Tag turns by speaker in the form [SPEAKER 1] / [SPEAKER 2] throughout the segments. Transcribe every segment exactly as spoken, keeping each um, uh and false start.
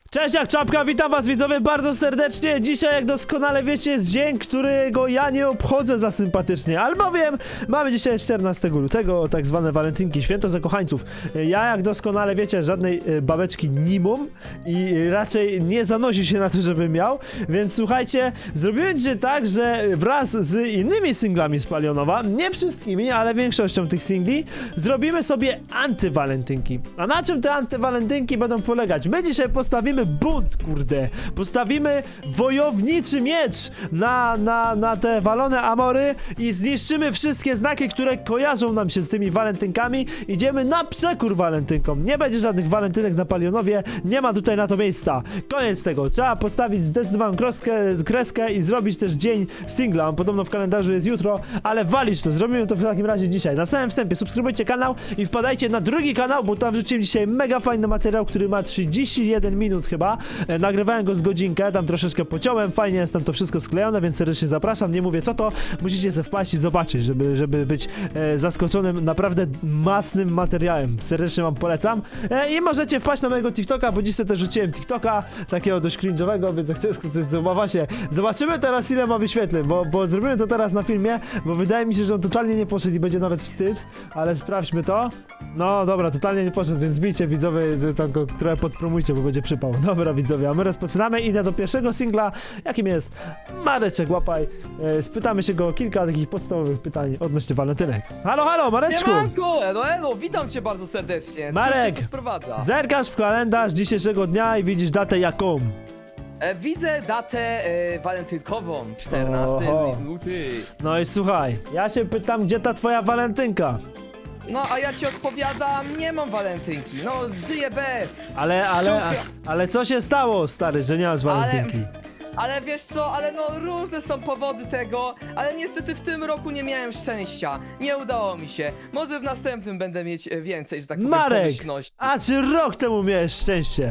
[SPEAKER 1] Cześć, jak czapka, witam was widzowie bardzo serdecznie. Dzisiaj, jak doskonale wiecie, jest dzień, którego ja nie obchodzę za sympatycznie, albowiem mamy dzisiaj czternastego lutego, tak zwane walentynki, święto zakochańców. Ja, jak doskonale wiecie, żadnej babeczki nie mam i raczej nie zanosi się na to, żebym miał, więc słuchajcie, zrobiłem dzisiaj tak, że wraz z innymi singlami z Palionowa, nie wszystkimi, ale większością tych singli, zrobimy sobie antywalentynki. A na czym te antywalentynki będą polegać? My dzisiaj postawimy bunt, kurde. Postawimy wojowniczy miecz na, na, na te walone amory i zniszczymy wszystkie znaki, które kojarzą nam się z tymi walentynkami. Idziemy na przekór walentynkom. Nie będzie żadnych walentynek na Palionowie, nie ma tutaj na to miejsca. Koniec tego. Trzeba postawić zdecydowaną kreskę, kreskę i zrobić też dzień singla. On podobno w kalendarzu jest jutro, ale walić to. Zrobimy to w takim razie dzisiaj. Na samym wstępie subskrybujcie kanał i wpadajcie na drugi kanał, bo tam wrzuciłem dzisiaj mega fajny materiał, który ma trzydzieści jeden minut chyba. E, nagrywałem go z godzinkę, tam troszeczkę pociąłem, fajnie jest tam to wszystko sklejone, więc serdecznie zapraszam. Nie mówię co to, musicie sobie wpaść i zobaczyć, żeby, żeby być e, zaskoczonym naprawdę masnym materiałem. Serdecznie wam polecam. E, I możecie wpaść na mojego TikToka, bo dziś sobie też rzuciłem TikToka, takiego dość cringe'owego, więc jak chcesz coś zobaczyć, zobaczymy teraz ile ma wyświetleń, bo, bo zrobimy to teraz na filmie, bo wydaje mi się, że on totalnie nie poszedł i będzie nawet wstyd, ale sprawdźmy to. No dobra, totalnie nie poszedł, więc bijcie widzowie, tam go trochę podpromujcie, bo będzie przypał. Dobra widzowie, a my rozpoczynamy. Idę do pierwszego singla, jakim jest Mareczek Łapaj. E, spytamy się go o kilka takich podstawowych pytań odnośnie walentynek. Halo, halo, Mareczku!
[SPEAKER 2] Siemanko, elo, elo, witam cię bardzo serdecznie.
[SPEAKER 1] Marek,
[SPEAKER 2] Co się tu sprowadza?
[SPEAKER 1] Zerkasz w kalendarz dzisiejszego dnia i widzisz datę jaką?
[SPEAKER 2] E, widzę datę e, walentynkową, czternasty luty.
[SPEAKER 1] No i słuchaj, ja się pytam, gdzie ta twoja walentynka?
[SPEAKER 2] No, a ja ci odpowiadam, nie mam walentynki, no, żyję bez.
[SPEAKER 1] Ale, ale, a, ale co się stało, stary, że nie masz walentynki?
[SPEAKER 2] Ale wiesz co, ale no różne są powody tego, ale niestety w tym roku nie miałem szczęścia. Nie udało mi się. Może w następnym będę mieć e, więcej, że tak powiem,
[SPEAKER 1] Marek,
[SPEAKER 2] pomyślności.
[SPEAKER 1] a czy rok temu miałeś szczęście?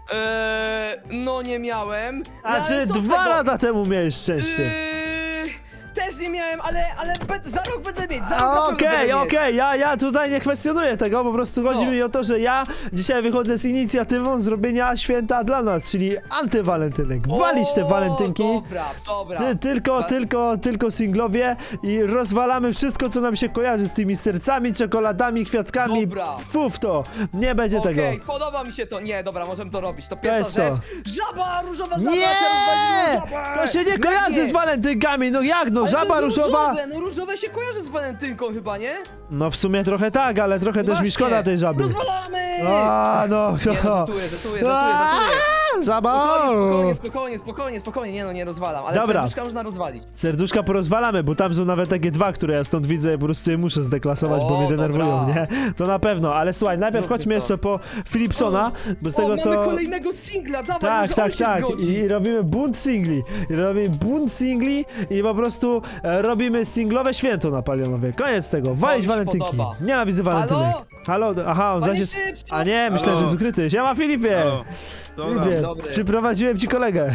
[SPEAKER 2] Eee, no nie miałem.
[SPEAKER 1] A
[SPEAKER 2] no,
[SPEAKER 1] czy
[SPEAKER 2] ale co z
[SPEAKER 1] dwa
[SPEAKER 2] tego?
[SPEAKER 1] lata temu miałeś szczęście?
[SPEAKER 2] Eee, też nie miałem, ale, ale be, za rok będę mieć, za rok na pewno
[SPEAKER 1] Okej,
[SPEAKER 2] będę mieć.
[SPEAKER 1] okej, ja, ja tutaj nie kwestionuję tego, po prostu chodzi
[SPEAKER 2] No.
[SPEAKER 1] mi o to, że ja dzisiaj wychodzę z inicjatywą zrobienia święta dla nas, czyli antywalentynek. Walić te
[SPEAKER 2] O,
[SPEAKER 1] walentynki.
[SPEAKER 2] Dobra, dobra.
[SPEAKER 1] Ty, tylko,
[SPEAKER 2] Ta-
[SPEAKER 1] tylko, tylko singlowie i rozwalamy wszystko, co nam się kojarzy z tymi sercami, czekoladami, kwiatkami.
[SPEAKER 2] Dobra.
[SPEAKER 1] Fu w to, nie będzie
[SPEAKER 2] Okej,
[SPEAKER 1] tego.
[SPEAKER 2] podoba mi się to. Nie, dobra, możemy to robić. To pierwsza
[SPEAKER 1] jest to.
[SPEAKER 2] rzecz. Żaba, różowa żaba.
[SPEAKER 1] Nie!
[SPEAKER 2] trzeba rozwalić żabę.
[SPEAKER 1] To się nie
[SPEAKER 2] Jak
[SPEAKER 1] kojarzy
[SPEAKER 2] nie?
[SPEAKER 1] z walentynkami, no jak no,
[SPEAKER 2] Ale
[SPEAKER 1] żaba
[SPEAKER 2] to jest
[SPEAKER 1] różowa.
[SPEAKER 2] Różowe, no różowe się kojarzy z walentynką chyba, nie?
[SPEAKER 1] No w sumie trochę tak, ale trochę
[SPEAKER 2] No
[SPEAKER 1] też mi
[SPEAKER 2] właśnie.
[SPEAKER 1] szkoda tej żaby.
[SPEAKER 2] Rozwalamy!
[SPEAKER 1] A no,
[SPEAKER 2] Nie, no żartuję, żartuję, żartuję, żartuję.
[SPEAKER 1] żaba!
[SPEAKER 2] Spokojnie, spokojnie, spokojnie, spokojnie, nie no, nie rozwalam, ale
[SPEAKER 1] Dobra.
[SPEAKER 2] serduszka można rozwalić.
[SPEAKER 1] Serduszka porozwalamy, bo tam są nawet takie dwa, które ja stąd widzę, po prostu je muszę zdeklasować, bo
[SPEAKER 2] O,
[SPEAKER 1] mnie denerwują,
[SPEAKER 2] dobra.
[SPEAKER 1] nie? To na pewno, ale słuchaj, najpierw
[SPEAKER 2] Zróbmy
[SPEAKER 1] chodźmy
[SPEAKER 2] to.
[SPEAKER 1] jeszcze po Philipsona, bo z
[SPEAKER 2] O,
[SPEAKER 1] tego
[SPEAKER 2] mamy
[SPEAKER 1] co...
[SPEAKER 2] kolejnego singla, dawaj,
[SPEAKER 1] Tak,
[SPEAKER 2] może
[SPEAKER 1] tak,
[SPEAKER 2] on się
[SPEAKER 1] tak.
[SPEAKER 2] zgodzi.
[SPEAKER 1] I robimy bunt singli. I robimy bunt singli i po prostu e, robimy singlowe święto na Palionowie. Koniec tego. Walić
[SPEAKER 2] mi się
[SPEAKER 1] walentynki.
[SPEAKER 2] podoba.
[SPEAKER 1] Nienawidzę walentynek.
[SPEAKER 2] Halo?
[SPEAKER 1] Halo? Aha, on
[SPEAKER 2] Panie
[SPEAKER 1] zaś jest...
[SPEAKER 2] Szybciu!
[SPEAKER 1] A nie, myślałem,
[SPEAKER 3] Halo?
[SPEAKER 1] że jest ukryty. Siema Filipie!
[SPEAKER 3] Halo. Dobra.
[SPEAKER 1] Filipie,
[SPEAKER 2] Dobry.
[SPEAKER 1] przyprowadziłem ci kolegę.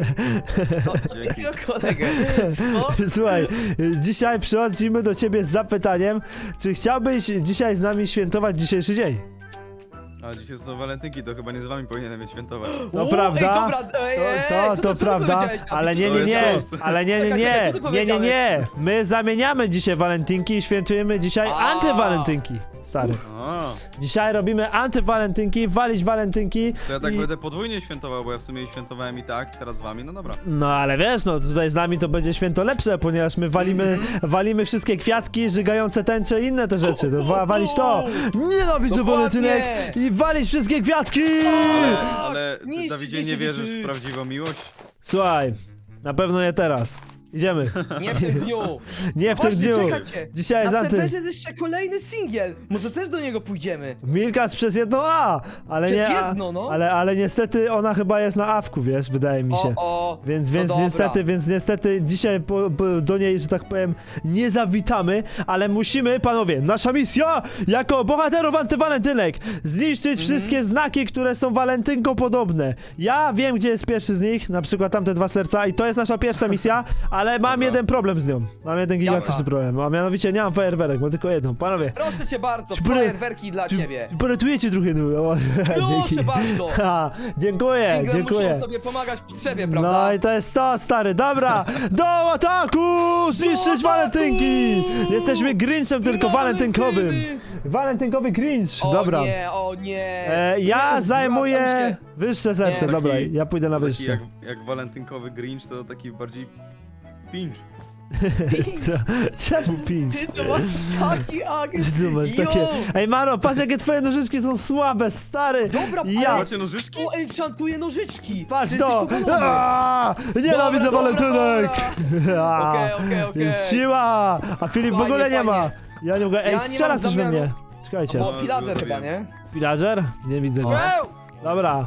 [SPEAKER 2] No, jakiego kolegę? Co?
[SPEAKER 1] Słuchaj, dzisiaj przychodzimy do ciebie z zapytaniem, czy chciałbyś dzisiaj z nami świętować dzisiejszy dzień?
[SPEAKER 3] A dzisiaj są walentynki, to chyba nie z wami powinienem je świętować.
[SPEAKER 1] To
[SPEAKER 2] U,
[SPEAKER 1] prawda,
[SPEAKER 2] ej, dobra, ej,
[SPEAKER 1] to,
[SPEAKER 2] ej,
[SPEAKER 1] to,
[SPEAKER 2] co
[SPEAKER 1] to
[SPEAKER 2] ty- co ty
[SPEAKER 1] prawda,
[SPEAKER 2] powiedziałeś? A
[SPEAKER 1] ale
[SPEAKER 2] ty
[SPEAKER 1] nie,
[SPEAKER 2] co
[SPEAKER 1] nie,
[SPEAKER 3] to
[SPEAKER 1] nie,
[SPEAKER 3] jest sos.
[SPEAKER 1] ale nie, nie,
[SPEAKER 2] Czekaj,
[SPEAKER 1] nie,
[SPEAKER 2] czekaj, co ty
[SPEAKER 1] nie, nie, nie,
[SPEAKER 2] powiedziałeś?
[SPEAKER 1] my zamieniamy dzisiaj walentynki i świętujemy dzisiaj
[SPEAKER 2] A.
[SPEAKER 1] antywalentynki, stary.
[SPEAKER 3] A,
[SPEAKER 1] Dzisiaj robimy antywalentynki, walić walentynki
[SPEAKER 3] to ja tak
[SPEAKER 1] i...
[SPEAKER 3] będę podwójnie świętował, bo ja w sumie świętowałem i tak, teraz z wami, no dobra.
[SPEAKER 1] No ale wiesz, no tutaj z nami to będzie święto lepsze, ponieważ my walimy,
[SPEAKER 2] Mhm.
[SPEAKER 1] walimy wszystkie kwiatki, żygające tęcze i inne te rzeczy, to wa walić to. Nienawidzę
[SPEAKER 2] Dokładnie.
[SPEAKER 1] walentynek i walić wszystkie kwiatki!
[SPEAKER 3] Ale, ale ty,
[SPEAKER 2] Niszczy,
[SPEAKER 3] Dawidzie,
[SPEAKER 2] niszczy,
[SPEAKER 3] nie wierzysz
[SPEAKER 2] niszczy.
[SPEAKER 3] w prawdziwą miłość?
[SPEAKER 1] Słuchaj, na pewno nie teraz. Idziemy.
[SPEAKER 2] Nie w tym dniu.
[SPEAKER 1] Nie w tym
[SPEAKER 2] Właśnie,
[SPEAKER 1] dniu.
[SPEAKER 2] czekajcie.
[SPEAKER 1] Dzisiaj jest
[SPEAKER 2] Na
[SPEAKER 1] anty...
[SPEAKER 2] serwerze jest jeszcze kolejny singiel. Może też do niego pójdziemy.
[SPEAKER 1] Milkas przez jedno A, ale
[SPEAKER 2] Przez
[SPEAKER 1] nie A,
[SPEAKER 2] jedno, no.
[SPEAKER 1] ale, ale niestety ona chyba jest na awku, wiesz, wydaje mi się.
[SPEAKER 2] O, o.
[SPEAKER 1] Więc,
[SPEAKER 2] no
[SPEAKER 1] więc
[SPEAKER 2] dobra.
[SPEAKER 1] niestety, więc niestety dzisiaj po, po, do niej, że tak powiem, nie zawitamy, ale musimy, panowie, nasza misja jako bohaterów antywalentynek zniszczyć
[SPEAKER 2] Mhm.
[SPEAKER 1] wszystkie znaki, które są walentynko podobne. Ja wiem, gdzie jest pierwszy z nich, na przykład tamte dwa serca i to jest nasza pierwsza misja, a Ale mam
[SPEAKER 3] Dobra.
[SPEAKER 1] jeden problem z nią. Mam jeden gigantyczny
[SPEAKER 2] Jaka?
[SPEAKER 1] problem, a mianowicie nie mam fajerwerek, mam tylko jedną. Panowie,
[SPEAKER 2] Proszę cię bardzo,
[SPEAKER 1] Czy pole-
[SPEAKER 2] fajerwerki dla
[SPEAKER 1] czy-
[SPEAKER 2] ciebie.
[SPEAKER 1] poratujecie trochę, no. O, dzięki.
[SPEAKER 2] Proszę bardzo.
[SPEAKER 1] Ha, dziękuję,
[SPEAKER 2] Single
[SPEAKER 1] dziękuję.
[SPEAKER 2] muszą sobie pomagać w potrzebie, prawda?
[SPEAKER 1] No i to jest to, stary, dobra! Do ataku! Zniszczyć
[SPEAKER 2] ataku!
[SPEAKER 1] walentynki! Jesteśmy Grinchem tylko
[SPEAKER 2] Nie,
[SPEAKER 1] walentynkowym.
[SPEAKER 2] walentyny!
[SPEAKER 1] Walentynkowy Grinch,
[SPEAKER 2] O
[SPEAKER 1] dobra.
[SPEAKER 2] nie, o nie.
[SPEAKER 1] E, ja
[SPEAKER 2] Nie, zwracam
[SPEAKER 1] zajmuję
[SPEAKER 2] się.
[SPEAKER 1] wyższe serce,
[SPEAKER 2] Nie.
[SPEAKER 1] dobra,
[SPEAKER 3] Taki-
[SPEAKER 1] ja pójdę na
[SPEAKER 3] Taki
[SPEAKER 1] wyższe.
[SPEAKER 3] jak, jak walentynkowy Grinch, to taki bardziej pinch.
[SPEAKER 1] Co? Czemu pięć?
[SPEAKER 2] Ty to masz taki agent.
[SPEAKER 1] Ty masz
[SPEAKER 2] Jo!
[SPEAKER 1] takie... Ej Maro, patrz jakie twoje nożyczki są słabe, stary!
[SPEAKER 2] Dobra,
[SPEAKER 1] Ja-
[SPEAKER 2] ale
[SPEAKER 3] Macie nożyczki?
[SPEAKER 2] o, enchantuje nożyczki.
[SPEAKER 1] Patrz
[SPEAKER 2] Ty
[SPEAKER 1] to!
[SPEAKER 2] jesteś powalony.
[SPEAKER 1] Aaaa! Nienawidzę
[SPEAKER 2] Dobra,
[SPEAKER 1] walentynek!
[SPEAKER 2] dobra,
[SPEAKER 1] Aaa,
[SPEAKER 2] Okej, okej, okej.
[SPEAKER 1] Jest siła! A Filip w
[SPEAKER 2] Fajnie,
[SPEAKER 1] ogóle nie ma!
[SPEAKER 2] fajnie.
[SPEAKER 1] Ja nie mogę...
[SPEAKER 2] Ja
[SPEAKER 1] Ej,
[SPEAKER 2] nie
[SPEAKER 1] strzela
[SPEAKER 2] mam
[SPEAKER 1] ktoś we
[SPEAKER 2] zamiaru-
[SPEAKER 1] mnie! Czekajcie.
[SPEAKER 2] Bo
[SPEAKER 3] No,
[SPEAKER 2] pillager
[SPEAKER 3] wiem.
[SPEAKER 2] chyba, nie?
[SPEAKER 1] Pillager? Nie widzę go.
[SPEAKER 3] Wow!
[SPEAKER 1] Dobra.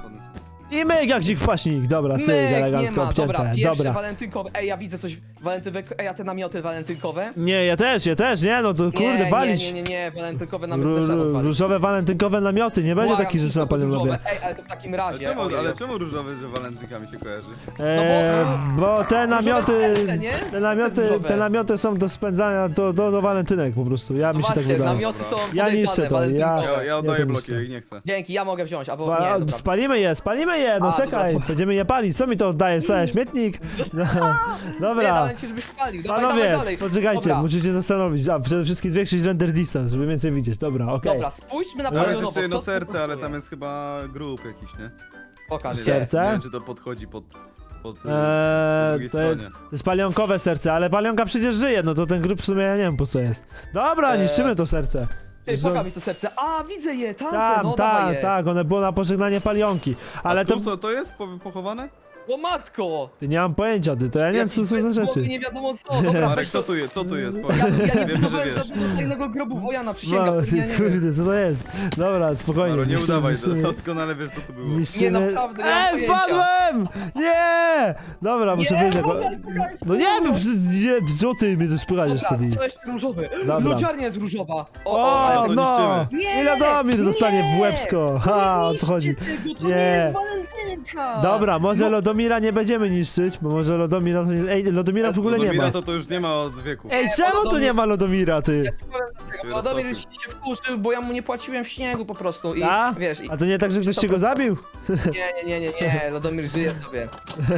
[SPEAKER 1] I myk jak dzik w paśnik. Dobra, cyk,
[SPEAKER 2] Myk, nie
[SPEAKER 1] elegancko
[SPEAKER 2] ma.
[SPEAKER 1] obcięte.
[SPEAKER 2] Dobra, pierwsze
[SPEAKER 1] Dobra.
[SPEAKER 2] walentynkowe. Ej, ja widzę coś walentynkowe. Ej, a te namioty walentynkowe?
[SPEAKER 1] Nie, ja też, ja też, nie, no to kurde,
[SPEAKER 2] nie,
[SPEAKER 1] walić.
[SPEAKER 2] Nie, nie, nie, nie, walentynkowe namioty
[SPEAKER 1] Ró-
[SPEAKER 2] też trzeba
[SPEAKER 1] ró-
[SPEAKER 2] rozwalić.
[SPEAKER 1] różowe walentynkowe namioty, nie będzie
[SPEAKER 2] Błagam,
[SPEAKER 1] takich rzeczy na
[SPEAKER 2] wszystko to
[SPEAKER 1] palionowie.
[SPEAKER 2] różowe. Ej, ale to w takim
[SPEAKER 3] Ale
[SPEAKER 2] razie.
[SPEAKER 3] czemu,
[SPEAKER 2] ojej.
[SPEAKER 3] ale czemu różowy, że walentynkami się kojarzy?
[SPEAKER 1] Eee, bo te namioty,
[SPEAKER 2] serce, nie?
[SPEAKER 1] te
[SPEAKER 2] Serce
[SPEAKER 1] namioty,
[SPEAKER 2] różowe.
[SPEAKER 1] te namioty są do spędzania, do, do, do walentynek po prostu, ja
[SPEAKER 2] No
[SPEAKER 1] mi się tak
[SPEAKER 2] właśnie,
[SPEAKER 1] wydaje.
[SPEAKER 2] namioty są
[SPEAKER 1] Ja niszczę
[SPEAKER 2] podejrzane,
[SPEAKER 1] to, ja-
[SPEAKER 2] walentynkowe.
[SPEAKER 3] Ja, ja
[SPEAKER 1] to
[SPEAKER 3] oddaję bloki,
[SPEAKER 1] myślę.
[SPEAKER 3] ja ich nie chcę.
[SPEAKER 2] Dzięki, ja mogę wziąć, albo
[SPEAKER 1] Wa-
[SPEAKER 2] nie, dobra.
[SPEAKER 1] spalimy je, spalimy je, no
[SPEAKER 2] A,
[SPEAKER 1] czekaj,
[SPEAKER 2] dobra, to-
[SPEAKER 1] będziemy je palić, co mi to oddaje, co, śmietnik? No,
[SPEAKER 2] Nie,
[SPEAKER 1] dobra.
[SPEAKER 2] dałem ci, żebyś spalił. Dawaj, dawaj
[SPEAKER 1] Panowie,
[SPEAKER 2] dalej.
[SPEAKER 1] poczekajcie,
[SPEAKER 2] Dobra.
[SPEAKER 1] musicie się zastanowić. A, przede wszystkim zwiększyć render distance, żeby więcej widzieć. Dobra, okej.
[SPEAKER 2] Dobra, spójrzmy na
[SPEAKER 3] Tam jest
[SPEAKER 2] palionowo.
[SPEAKER 3] jeszcze jedno
[SPEAKER 2] co tu
[SPEAKER 3] serce, ale
[SPEAKER 2] kosztuje?
[SPEAKER 3] tam jest chyba grób jakiś, nie?
[SPEAKER 2] Pokaż
[SPEAKER 3] Nie,
[SPEAKER 2] się.
[SPEAKER 1] Serce?
[SPEAKER 3] Nie wiem, czy to podchodzi pod... pod po
[SPEAKER 1] Eee,
[SPEAKER 3] drugiej
[SPEAKER 1] to,
[SPEAKER 3] stronie.
[SPEAKER 1] to jest palionkowe serce, ale palionka przecież żyje, no to ten grób w sumie ja nie wiem po co jest. Dobra,
[SPEAKER 2] Eee,
[SPEAKER 1] niszczymy to serce.
[SPEAKER 2] Ty,
[SPEAKER 1] Że-
[SPEAKER 2] pokaż mi to serce. A, widzę je, tam,
[SPEAKER 1] Tam,
[SPEAKER 2] no dawaj
[SPEAKER 1] tak,
[SPEAKER 2] je.
[SPEAKER 1] tak, one było na pożegnanie palionki. Ale
[SPEAKER 3] A
[SPEAKER 1] to...
[SPEAKER 3] tu co, to jest po- pochowane?
[SPEAKER 2] O matko!
[SPEAKER 1] Ty nie mam pojęcia, ty, to ja nie wiem co to są za rzeczy.
[SPEAKER 2] Nie wiadomo co, dobra,
[SPEAKER 3] Marek,
[SPEAKER 2] weź
[SPEAKER 3] co
[SPEAKER 2] to.
[SPEAKER 3] tu jest? Co tu jest? Powiedz.
[SPEAKER 2] Ja, ja nie
[SPEAKER 3] Wiemy, że
[SPEAKER 2] budowałem
[SPEAKER 3] wiesz.
[SPEAKER 2] żadnego tajnego grobu Wojana,
[SPEAKER 1] No,
[SPEAKER 2] przysięgam.
[SPEAKER 1] ty,
[SPEAKER 2] Ja nie wiem.
[SPEAKER 1] kurde, co to jest? Dobra, spokojnie.
[SPEAKER 3] Maro, nie
[SPEAKER 1] niszczymy,
[SPEAKER 3] udawaj,
[SPEAKER 1] niszczymy.
[SPEAKER 3] to doskonale wiesz co tu było.
[SPEAKER 1] Niszczymy...
[SPEAKER 2] Nie, naprawdę, nie mam
[SPEAKER 1] Ej,
[SPEAKER 2] pojęcia.
[SPEAKER 1] wpadłem! Nie! Dobra, muszę
[SPEAKER 2] Nie,
[SPEAKER 1] wyjść jako...
[SPEAKER 2] Boże, spokojnie,
[SPEAKER 1] No nie wiem, nie, co ty mnie tu spychasz
[SPEAKER 2] Dobra,
[SPEAKER 1] wtedy?
[SPEAKER 2] to jest różowy.
[SPEAKER 1] Dobra.
[SPEAKER 2] Lodziarnia jest różowa. O,
[SPEAKER 1] O,
[SPEAKER 2] o, ale to
[SPEAKER 1] no!
[SPEAKER 3] niszczymy.
[SPEAKER 2] Nie,
[SPEAKER 1] I Radomir dostanie w
[SPEAKER 2] nie!
[SPEAKER 1] łebsko. Ha, o to chodzi.
[SPEAKER 2] niszczcie Tego, to
[SPEAKER 1] Nie.
[SPEAKER 2] nie jest walentynka.
[SPEAKER 1] Dobra, może
[SPEAKER 2] No,
[SPEAKER 1] Lodomira nie będziemy niszczyć, bo może Lodomira to nie... Ej, Lodomira w ogóle nie ma.
[SPEAKER 3] Lodomira to, to już nie ma od wieku.
[SPEAKER 1] Ej, czemu tu nie ma Lodomira, ty?
[SPEAKER 2] Ja ci powiem dlaczego, bo
[SPEAKER 3] Roztopił.
[SPEAKER 2] Radomir się wkurzył, bo ja mu nie płaciłem w śniegu po prostu i
[SPEAKER 1] A?
[SPEAKER 2] wiesz, i...
[SPEAKER 1] A to nie tak, że ktoś cię go zabił?
[SPEAKER 2] nie, nie, nie, nie, nie, Radomir żyje sobie.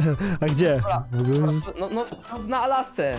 [SPEAKER 1] A gdzie?
[SPEAKER 2] Dobra.
[SPEAKER 1] W ogóle...
[SPEAKER 2] No, no, na Alasce.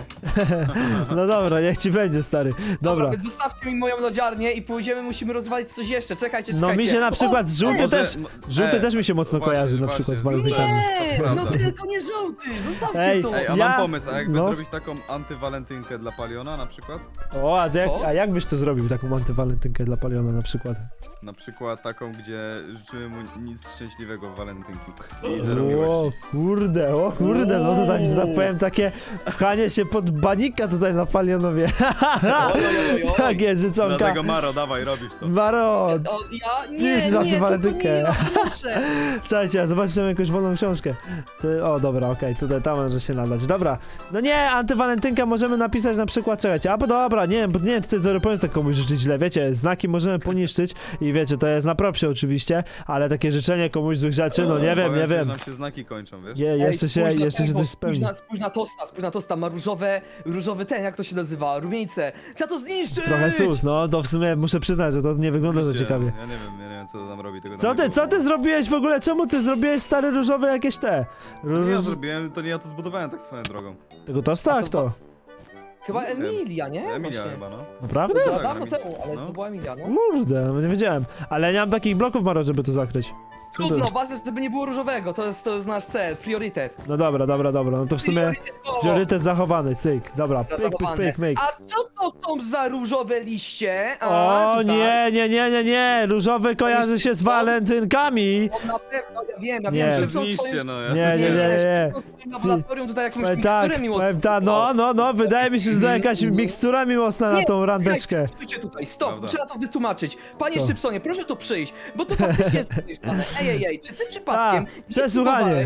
[SPEAKER 1] No dobra, niech ci będzie, stary. Dobra.
[SPEAKER 2] Więc zostawcie mi moją lodziarnię i pójdziemy, musimy rozwalić coś jeszcze, czekajcie, czekajcie.
[SPEAKER 1] No mi się na przykład
[SPEAKER 2] O,
[SPEAKER 1] żółty
[SPEAKER 3] może-
[SPEAKER 1] też...
[SPEAKER 3] no,
[SPEAKER 1] Żółty
[SPEAKER 3] e,
[SPEAKER 1] też mi się mocno
[SPEAKER 3] właśnie,
[SPEAKER 1] kojarzy na
[SPEAKER 3] właśnie,
[SPEAKER 1] przykład z
[SPEAKER 3] żółty-
[SPEAKER 1] walentynkami.
[SPEAKER 2] Nie,
[SPEAKER 3] To
[SPEAKER 2] no
[SPEAKER 3] prawda.
[SPEAKER 2] tylko nie żółty, zostawcie
[SPEAKER 1] Ej,
[SPEAKER 2] to.
[SPEAKER 3] Ej, a
[SPEAKER 1] Ja-
[SPEAKER 3] mam pomysł, a jakby
[SPEAKER 1] no.
[SPEAKER 3] zrobić taką antywalentynkę dla Paliona na przykład?
[SPEAKER 1] O, a, to jak,
[SPEAKER 2] Co?
[SPEAKER 1] a jak byś to zrobił, taką antywalentynkę dla Paliona na przykład?
[SPEAKER 3] Na przykład taką, gdzie życzymy mu nic szczęśliwego w walentynki. I zero
[SPEAKER 1] O
[SPEAKER 3] miłości.
[SPEAKER 1] kurde, o kurde, no to tak, że tak powiem, takie pchanie się pod banika tutaj na Palionowie.
[SPEAKER 2] Oj, oj, oj, oj.
[SPEAKER 1] Takie życzonka.
[SPEAKER 3] Dlatego Maro, dawaj, robisz to.
[SPEAKER 1] Maro,
[SPEAKER 2] O, ja, nie,
[SPEAKER 1] Pisz na
[SPEAKER 2] nie,
[SPEAKER 1] tę
[SPEAKER 2] to
[SPEAKER 1] walentynkę.
[SPEAKER 2] nie, no, proszę.
[SPEAKER 1] słuchajcie, zobaczymy jakąś wolną książkę. To, o, dobra, okej, tutaj tam może się nadać. Dobra, no nie, antywalentynka możemy napisać na przykład, czekajcie, a bo dobra, nie wiem, bo nie, tutaj zero pomysł tak komuś życzyć źle, wiecie, znaki możemy poniszczyć i wiecie, to jest na propsie oczywiście, ale takie życzenie komuś złych rzeczy, no nie wiem,
[SPEAKER 3] Powiem
[SPEAKER 1] nie
[SPEAKER 3] ci, że
[SPEAKER 1] wiem.
[SPEAKER 3] nam się znaki kończą, wiesz?
[SPEAKER 1] Je, jeszcze
[SPEAKER 2] Ej,
[SPEAKER 1] się,
[SPEAKER 2] spójrz na
[SPEAKER 1] jeszcze się
[SPEAKER 2] tego,
[SPEAKER 1] coś
[SPEAKER 2] spójrz
[SPEAKER 1] spełni.
[SPEAKER 2] na, spójrz na tosta, spójrz na tosta, ma różowe, różowy ten, jak to się nazywa, rumieńce. Trzeba to zniszczyć!
[SPEAKER 1] Trochę sus, no to w sumie muszę przyznać, że to nie wygląda za
[SPEAKER 3] Oczywiście,
[SPEAKER 1] ciekawie.
[SPEAKER 3] Ja nie wiem, ja nie wiem co to tam robi. Tego
[SPEAKER 1] Co
[SPEAKER 3] tam
[SPEAKER 1] ty,
[SPEAKER 3] nie
[SPEAKER 1] co
[SPEAKER 3] było.
[SPEAKER 1] ty zrobiłeś w ogóle? Czemu ty zrobiłeś stary różowe jakieś te?
[SPEAKER 3] To nie ja
[SPEAKER 1] Róż...
[SPEAKER 3] zrobiłem, to nie ja to zbudowałem tak swoją drogą.
[SPEAKER 1] Tego tosta?
[SPEAKER 2] A
[SPEAKER 1] Jak
[SPEAKER 2] to
[SPEAKER 1] to?
[SPEAKER 2] Chyba
[SPEAKER 3] Nie wiem.
[SPEAKER 2] Emilia, nie?
[SPEAKER 3] Emilia
[SPEAKER 2] Właśnie.
[SPEAKER 3] chyba, no.
[SPEAKER 1] Naprawdę?
[SPEAKER 2] To
[SPEAKER 3] Tak,
[SPEAKER 2] dawno
[SPEAKER 3] Emilia.
[SPEAKER 2] temu, ale
[SPEAKER 3] No.
[SPEAKER 2] to była Emilia, no.
[SPEAKER 1] Kurde, no nie wiedziałem. Ale nie mam takich bloków, Maro, żeby to zakryć.
[SPEAKER 2] Trudno, ważne, żeby nie było różowego, to jest, to jest nasz cel, priorytet.
[SPEAKER 1] No dobra, dobra, dobra, no to w sumie
[SPEAKER 2] Priorytetowo.
[SPEAKER 1] priorytet zachowany, cyk. Dobra, pyk, pyk,
[SPEAKER 2] Zachowane.
[SPEAKER 1] pyk, myk.
[SPEAKER 2] A co to są za różowe liście? A,
[SPEAKER 1] O
[SPEAKER 2] tutaj.
[SPEAKER 1] nie, nie, nie, nie, nie, różowy kojarzy się z walentynkami.
[SPEAKER 2] O, na pewno, ja wiem, ja
[SPEAKER 1] Nie.
[SPEAKER 2] wiem,
[SPEAKER 3] To
[SPEAKER 2] szybko
[SPEAKER 3] zniszcie, no. Ja
[SPEAKER 1] Nie, nie, nie, nie.
[SPEAKER 2] W laboratorium tutaj jakąś
[SPEAKER 1] Powiem
[SPEAKER 2] miksturę
[SPEAKER 1] tak,
[SPEAKER 2] miłosną.
[SPEAKER 1] powiem tak, no, no, no, wydaje mi się, że to jakaś mikstura miłosna na
[SPEAKER 2] Nie,
[SPEAKER 1] tą randeczkę.
[SPEAKER 2] Stójcie tutaj, stop,
[SPEAKER 3] Prawda.
[SPEAKER 2] trzeba to wytłumaczyć. Panie
[SPEAKER 1] Co?
[SPEAKER 2] Szczypsonie, proszę tu przyjść, bo to faktycznie jest podejrzane. Ej, ej, ej, czy ty przypadkiem
[SPEAKER 1] A,
[SPEAKER 2] nie
[SPEAKER 1] przesłuchanie.
[SPEAKER 2] próbowałeś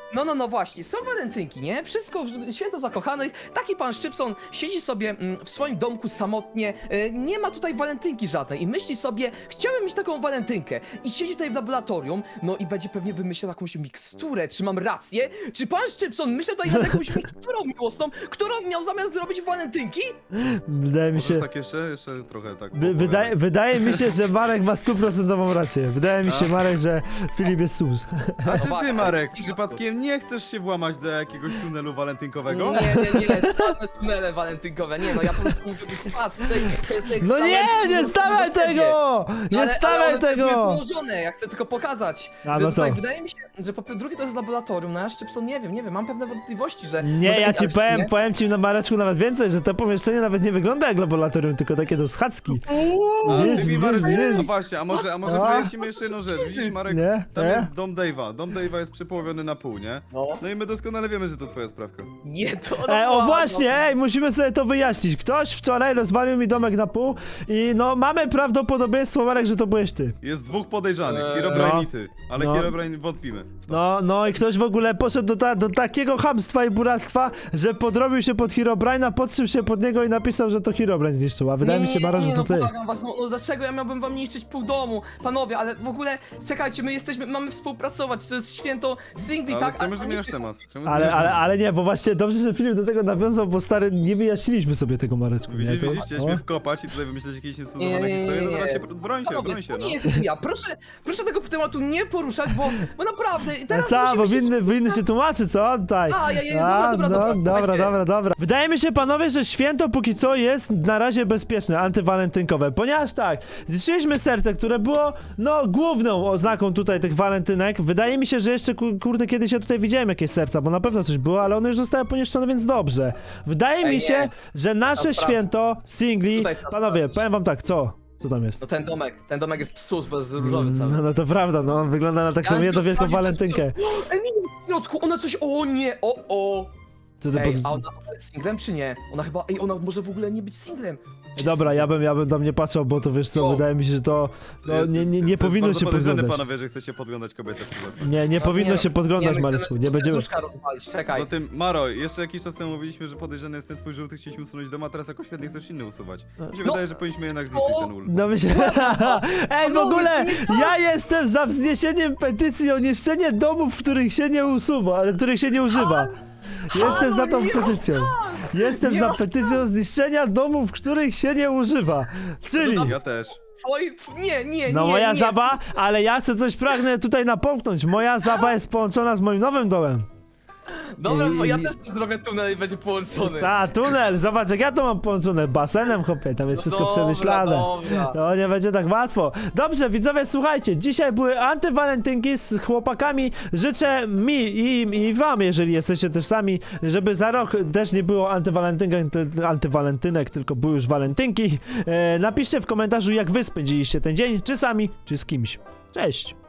[SPEAKER 2] No, no, no właśnie, są walentynki, nie? Wszystko, w- święto zakochanych, taki pan Szczypson siedzi sobie mm, w swoim domku samotnie, e, nie ma tutaj walentynki żadnej i myśli sobie, chciałem mieć taką walentynkę i siedzi tutaj w laboratorium, no i będzie pewnie wymyślał jakąś miksturę, czy mam rację? Czy pan Szczypson myślał tutaj nad jakąś miksturą miłosną, którą miał zamiast zrobić walentynki?
[SPEAKER 1] Wydaje mi
[SPEAKER 3] Możesz
[SPEAKER 1] się...
[SPEAKER 3] tak jeszcze? Jeszcze trochę tak.
[SPEAKER 1] Wy, wydaje, wydaje mi się, że Marek ma stuprocentową rację. Wydaje mi się,
[SPEAKER 3] A?
[SPEAKER 1] Marek, że Filip jest sus.
[SPEAKER 3] A czy
[SPEAKER 2] Uwaga,
[SPEAKER 3] ty, Marek,
[SPEAKER 2] ale-
[SPEAKER 3] przypadkiem nie chcesz się włamać do jakiegoś tunelu walentynkowego?
[SPEAKER 2] Nie, nie, nie, same tunele walentynkowe, nie no, ja po prostu mówię, patrz, tutaj... te- te
[SPEAKER 1] No nie,
[SPEAKER 2] kawałeczki
[SPEAKER 1] nie
[SPEAKER 2] są
[SPEAKER 1] stawiaj
[SPEAKER 2] do siebie.
[SPEAKER 1] tego! Nie
[SPEAKER 2] ale, ale
[SPEAKER 1] stawiaj
[SPEAKER 2] one tak były
[SPEAKER 1] tego!
[SPEAKER 2] położone, ja chcę tylko pokazać,
[SPEAKER 1] A,
[SPEAKER 2] że
[SPEAKER 1] no
[SPEAKER 2] tutaj
[SPEAKER 1] co?
[SPEAKER 2] wydaje mi się, że po drugie to jest laboratorium, no ja Szczypson nie wiem, nie wiem, mam pewne wątpliwości, że...
[SPEAKER 1] Nie,
[SPEAKER 2] może
[SPEAKER 1] ja
[SPEAKER 2] być
[SPEAKER 1] ci
[SPEAKER 2] tak,
[SPEAKER 1] powiem,
[SPEAKER 2] nie?
[SPEAKER 1] powiem ci na Mareczku nawet więcej, że to pomieszczenie nawet nie wygląda jak laboratorium, tylko takie do schadzki.
[SPEAKER 3] A,
[SPEAKER 1] Widzisz,
[SPEAKER 3] ty mi,
[SPEAKER 1] widzisz,
[SPEAKER 3] Marek,
[SPEAKER 1] widzisz?
[SPEAKER 3] No właśnie, a może, a może
[SPEAKER 1] A?
[SPEAKER 3] wyjaśnimy jeszcze jedną rzecz. Widzisz, Marek,
[SPEAKER 1] Nie?
[SPEAKER 3] tam
[SPEAKER 1] Nie?
[SPEAKER 3] jest dom Dave'a. Dom Dave'a jest przepołowiony na pół, nie?
[SPEAKER 2] No.
[SPEAKER 3] No i my doskonale wiemy, że to twoja sprawka.
[SPEAKER 2] Nie, to...
[SPEAKER 1] E, o
[SPEAKER 2] no,
[SPEAKER 1] właśnie, ej, musimy sobie to wyjaśnić. Ktoś wczoraj rozwalił mi domek na pół i no mamy prawdopodobieństwo, Marek, że to byłeś ty.
[SPEAKER 3] Jest dwóch podejrzanych,
[SPEAKER 2] Eee.
[SPEAKER 3] Herobrine
[SPEAKER 1] No.
[SPEAKER 3] i ty. Ale
[SPEAKER 1] No.
[SPEAKER 3] Herobrine wątpimy.
[SPEAKER 1] No, no i ktoś w ogóle poszedł do, ta, do takiego chamstwa i buractwa, że podrobił się pod Herobrine'a, podszył się pod niego i napisał, że to Herobrine zniszczył, a wydaje mi się, Mara, że
[SPEAKER 2] nie,
[SPEAKER 1] to
[SPEAKER 2] no,
[SPEAKER 1] ty.
[SPEAKER 2] błagam was, no, no dlaczego ja miałbym wam niszczyć pół domu, panowie, ale w ogóle, czekajcie, my jesteśmy, mamy współpracować, to jest święto singli,
[SPEAKER 3] Ale
[SPEAKER 2] tak?
[SPEAKER 3] czemu
[SPEAKER 2] A- a
[SPEAKER 3] zmieniasz
[SPEAKER 2] niszczy-
[SPEAKER 3] temat? Czemu
[SPEAKER 1] Ale,
[SPEAKER 3] zmieniasz
[SPEAKER 1] ale,
[SPEAKER 3] temat?
[SPEAKER 1] ale nie, bo właśnie dobrze, że Filip do tego nawiązał, bo stary, nie wyjaśniliśmy sobie tego, Mareczku. Nie?
[SPEAKER 3] Widzisz,
[SPEAKER 1] To-
[SPEAKER 3] widzisz,
[SPEAKER 1] o.
[SPEAKER 3] chcieliśmy wkopać i tutaj wymyśleć jakieś
[SPEAKER 2] Nie,
[SPEAKER 3] niecudowane
[SPEAKER 2] nie, nie,
[SPEAKER 3] historie, no
[SPEAKER 2] nie,
[SPEAKER 3] teraz się,
[SPEAKER 2] nie.
[SPEAKER 3] broń się,
[SPEAKER 2] Panowie,
[SPEAKER 3] broń się,
[SPEAKER 2] to
[SPEAKER 3] no.
[SPEAKER 2] nie jestem ja, proszę, proszę tego tematu nie poruszać, bo, bo naprawdę,
[SPEAKER 1] A
[SPEAKER 2] teraz
[SPEAKER 1] co,
[SPEAKER 2] musimy
[SPEAKER 1] bo
[SPEAKER 2] się
[SPEAKER 1] winny, winny się tłumaczy, co? Tutaj.
[SPEAKER 2] A, ja, ja, dobra, dobra,
[SPEAKER 1] no,
[SPEAKER 2] dobra,
[SPEAKER 1] dobra,
[SPEAKER 2] słuchajcie.
[SPEAKER 1] dobra, dobra. Wydaje mi się, panowie, że święto póki co jest na razie bezpieczne, antywalentynkowe, ponieważ tak, zniszczyliśmy serce, które było, no, główną oznaką tutaj tych walentynek. Wydaje mi się, że jeszcze, ku- kurde, kiedyś ja tutaj widziałem jakieś serca, bo na pewno coś było, ale one już zostały poniszczone, więc dobrze. Wydaje
[SPEAKER 2] Ej,
[SPEAKER 1] mi się,
[SPEAKER 2] nie.
[SPEAKER 1] że nasze
[SPEAKER 2] Trzeba
[SPEAKER 1] święto singli,
[SPEAKER 2] Tutaj trzeba
[SPEAKER 1] panowie,
[SPEAKER 2] sprawdzić.
[SPEAKER 1] powiem wam tak, co? Co tam jest?
[SPEAKER 2] No ten domek, ten domek jest psus, bo jest różowy cały.
[SPEAKER 1] No, no to prawda, no, on wygląda na taką
[SPEAKER 2] Ja
[SPEAKER 1] jedną wielką
[SPEAKER 2] sprawdzić,
[SPEAKER 1] walentynkę.
[SPEAKER 2] co jest w środku. Ej, nie, w środku, ona coś, o nie, o, o.
[SPEAKER 1] Co ty
[SPEAKER 2] Ej,
[SPEAKER 1] pod...
[SPEAKER 2] a ona ona jest singlem czy nie? Ona chyba, ej, ona może w ogóle nie być singlem. Czy
[SPEAKER 1] Dobra, ja bym, ja bym tam nie patrzał, bo to wiesz co,
[SPEAKER 2] O.
[SPEAKER 1] wydaje mi się, że to no, nie, nie, nie
[SPEAKER 3] To
[SPEAKER 1] powinno
[SPEAKER 3] jest
[SPEAKER 1] się
[SPEAKER 3] bardzo podejrzane,
[SPEAKER 1] podglądać.
[SPEAKER 3] panowie, że chcecie podglądać kobietę w przypadku.
[SPEAKER 1] Nie, nie
[SPEAKER 2] No,
[SPEAKER 1] powinno
[SPEAKER 2] nie,
[SPEAKER 1] się podglądać,
[SPEAKER 2] my
[SPEAKER 1] Marysku,
[SPEAKER 2] chcemy
[SPEAKER 1] nie będziemy...
[SPEAKER 2] serduszka rozwalić, czekaj.
[SPEAKER 3] Poza tym, Maro, jeszcze jakiś czas temu mówiliśmy, że podejrzany jest ten twój żółty, chcieliśmy usunąć dom, a teraz jakoś chętnie chcesz inny usuwać. Mi się
[SPEAKER 2] No.
[SPEAKER 3] wydaje, że powinniśmy jednak
[SPEAKER 2] Co?
[SPEAKER 3] zniszczyć ten ul.
[SPEAKER 1] No myślę... Ej, w
[SPEAKER 2] No,
[SPEAKER 1] ogóle,
[SPEAKER 2] nie
[SPEAKER 1] ja jestem za wzniesieniem petycji o niszczenie domów, w których się nie usuwa, których się nie używa. Jestem za tą
[SPEAKER 2] nie
[SPEAKER 1] petycją. Jestem
[SPEAKER 2] Nie
[SPEAKER 1] za
[SPEAKER 2] ma-
[SPEAKER 1] petycją zniszczenia domów, w których się nie używa. Czyli...
[SPEAKER 3] Ja też.
[SPEAKER 2] Oj, nie, nie,
[SPEAKER 1] No
[SPEAKER 2] nie,
[SPEAKER 1] moja
[SPEAKER 2] nie.
[SPEAKER 1] żaba, ale ja chcę coś pragnę tutaj napomknąć. Moja żaba jest połączona z moim nowym domem.
[SPEAKER 2] Dobra, bo ja
[SPEAKER 1] I-
[SPEAKER 2] też tu zrobię tunel i będzie połączony.
[SPEAKER 1] Ta, tunel, zobacz jak ja to mam połączone, basenem, chłopie, tam jest wszystko
[SPEAKER 2] Dobra,
[SPEAKER 1] przemyślane.
[SPEAKER 2] dobra.
[SPEAKER 1] To nie będzie tak łatwo. Dobrze, widzowie, słuchajcie, dzisiaj były antywalentynki z chłopakami. Życzę mi i im i wam, jeżeli jesteście też sami, żeby za rok też nie było antywalentynek, ty- antywalentynek, tylko były już walentynki. E, napiszcie w komentarzu, jak wy spędziliście ten dzień, czy sami, czy z kimś. Cześć!